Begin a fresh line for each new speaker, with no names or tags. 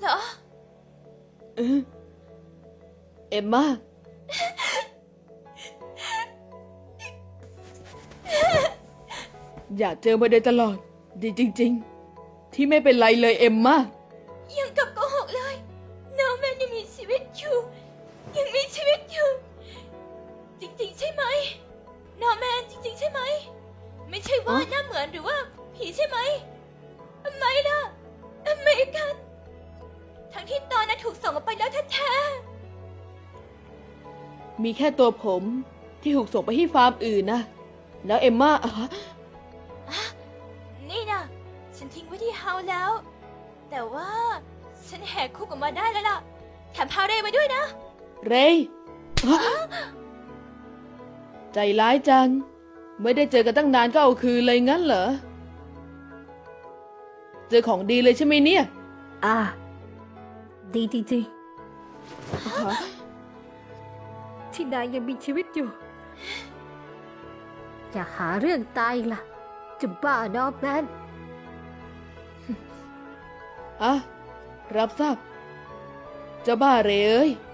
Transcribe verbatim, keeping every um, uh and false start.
เหรอ
เออเอมม่าอยากเจอมาโดยตลอดดีจริงๆที่ไม่เป็นไรเลยเอมม่า
ยังกับโกหกเลยน้องแมนยังมีชีวิตอยู่ยังมีชีวิตอยู่จริงๆใช่ไหมน้องแมนจริงๆใช่ไหมไม่ใช่ว่าหน้าเหมือนหรือว่าผีใช่ไหมทำไมล่ะทำไมกันทั้งที่ตอนนั้นถูกส่งออกไปแล้วแท้
ๆมีแค่ตัวผมที่ถูกส่งไปที่ฟาร์มอื่นนะแล้วเอมม่าอะ
นี่นะฉันทิ้งไว้ที่เฮาแล้ว แต่ว่าฉันแหกคุกออกมาได้แล้วล่ะแถมพาเรย์มาด้วยนะ
เรย์ใจร้ายจังไม่ได้เจอกันตั้งนานก็เอาคืนเลยงั้นเหรอเจอของดีเลยใช่ไหมเนี่ย
อ่าดีจริงๆที่นายยังมีชีวิตอยู่อย่าหาเรื่องตายล่ะจะบ้านอแมน
อ่ะรับทราบเจ้าบ้าเรย์เอ้ย